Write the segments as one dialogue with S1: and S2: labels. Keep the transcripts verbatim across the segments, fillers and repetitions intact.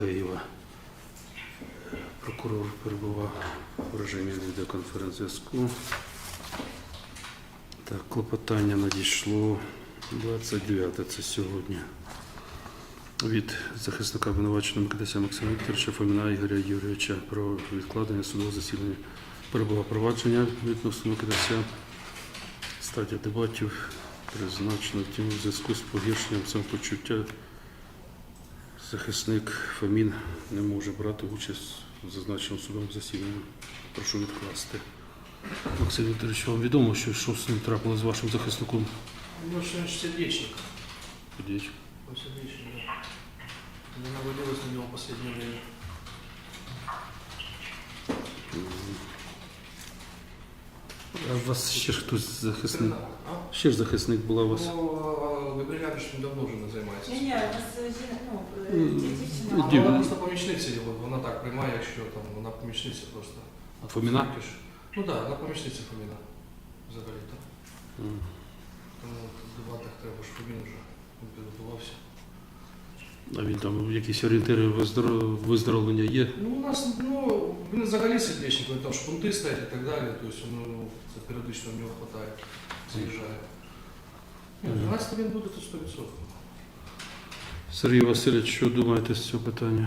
S1: Києва. Прокурор перебував в режимі відеоконференц-зв'язку. Так, клопотання надійшло двадцять дев'яте, це сьогодні, від захисника обвинуваченого Микитася Максима Вікторовича Фоміна Ігоря Юрійовича про відкладення судового засідання. Перебував провадження відносно Микитася. Стадія дебатів призначена, втім, у зв'язку з погіршенням самопочуття захисник Фомін не може брати участь в зазначеному судовому засіданні. Прошу відкласти. Максим Вікторович, вам відомо, що, що з ним трапило з вашим захисником?
S2: Ну, что он сердечник.
S1: Сердечник.
S2: Он сердечник, да. Не навалилось на него в последнее время.
S1: А у вас ще ж хтось захисник?
S2: А?
S1: Ще ж захисник була у вас?
S2: Ну, Габрілянович давно вже не займається.
S3: Ні, ні, у нас ну, дівчина.
S1: Ну,
S2: А
S1: дів-
S2: вона просто помічниця його, вона так приймає, якщо там вона помічниця просто.
S1: А Фоміна?
S2: Ну так, да, вона помічниця Фоміна. Взагалі так.
S1: М.
S2: Тому в дебатах треба ж Фомін вже підготувався.
S1: А він там якісь орієнтири виздор- виздоровлення є?
S2: Ну, у нас, ну, він взагалі сердечник, він там шпунти стоять і так далі, тобто ну, це періодично в нього вистачає, заїжджає. Ні, дванадцять він буде тут сто відсотків.
S1: Сергій Васильович, що думаєте з цього питання?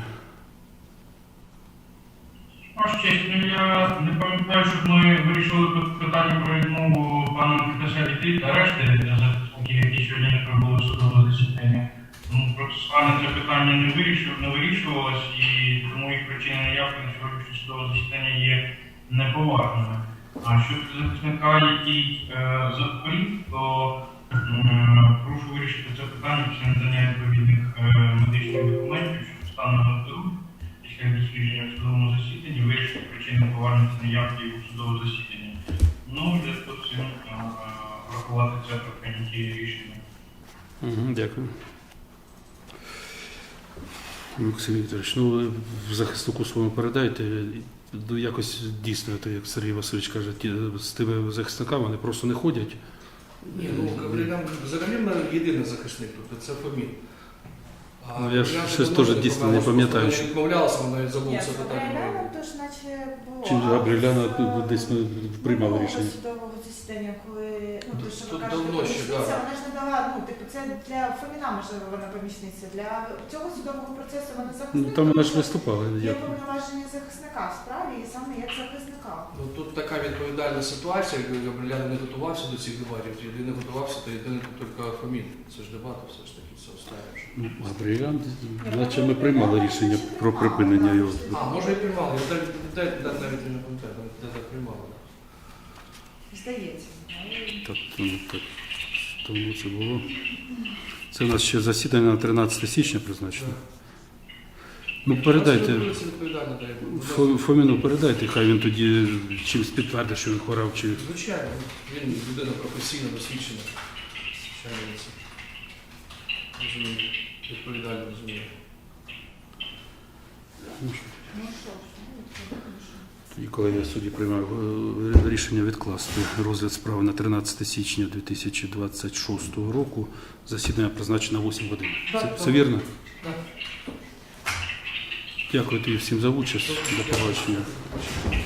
S4: Ваш честь, ну я не пам'ятаю, щоб ми вирішили тут питання про відмову пана Микитася від арешти для захисників, які сьогодні не прибули в судове засідання. Ну, процесуально це питання не вирішувалось, не вирішувалось, і тому їх причини неявки на сьогоднішнє судове засідання є неповажними. А щодо захисника, який е, захворів, то е, прошу вирішити це питання після надання відповідних е, медичних документів, що стану на здоров'я. Після дослідження в судовому засіданні вирішити причини поважності неявки у судове засідання. Ну, для того всім врахувати це при прийнятті рішення.
S1: Угу, дякую. Максим Вікторович, ну ви в захиснику своєму передайте, ну, якось дійсно, то, як Сергій Васильович каже, ті, з тими захисниками вони просто не ходять.
S2: Ні, ну Габрілян взагалі в мене єдиний захисник тут, це Фомін. А
S1: Ну, я ж
S2: Габрілян
S1: щось
S2: давно
S1: теж
S2: не
S1: дійсно не
S2: помилився,
S1: пам'ятаю,
S2: вона
S1: що-
S2: відмовлялася, вона навіть забув
S3: Ні,
S2: це
S3: з
S2: питання.
S3: Габріеляном то ж наче було.
S1: Чи Габріеляна
S3: А з,
S1: десь ми
S3: е,
S1: приймали
S3: минулого
S1: рішення?
S3: судового засідання, коли, ну, то, що
S2: Тут
S3: ви кажете,
S2: давно ще,
S3: помічниця,
S2: да.
S3: вона ж не дала, ну, типу, це для Фоміна, можливо, вона помічниця. Для цього судового процесу вона
S1: Ну,
S3: захисник.
S1: там вона ж
S3: тому що
S1: виступала.
S3: Є
S1: Як...
S3: повноваження захисника в справі, і саме як захисника.
S2: Ну, тут така відповідальна ситуація, якби Габрілян не готувався до цих дебатів, єдиний готувався, то єдиний тут тільки Фомін. Це ж дебати все ж таки, це останнє.
S1: Ну, Габріелян, наче ми приймали рішення про припинення його.
S2: А, може і приймали, я навіть, навіть, навіть не пам'ятаю, де так приймали.
S3: Здається.
S1: Так, ну, так, тому це було. Це у нас ще засідання на тринадцяте січня призначено. Ну, передайте.
S2: Це відповідально, дай Бог.
S1: Фо- Фоміну передайте, хай він тоді чимось підтвердить, що він хворав, чи
S2: Звичайно, він людина професійно досвідчена. Звичайно, він це розуміє, відповідально розуміє.
S3: Ну що ж, ну, це
S1: і коли я судді приймав е, рішення відкласти розгляд справи на тринадцяте січня дві тисячі двадцять шостого року, засідання призначено на вісім годин. Це,
S2: Так,
S1: це
S2: так.
S1: вірно?
S2: Так.
S1: Дякую тобі всім за участь. До побачення.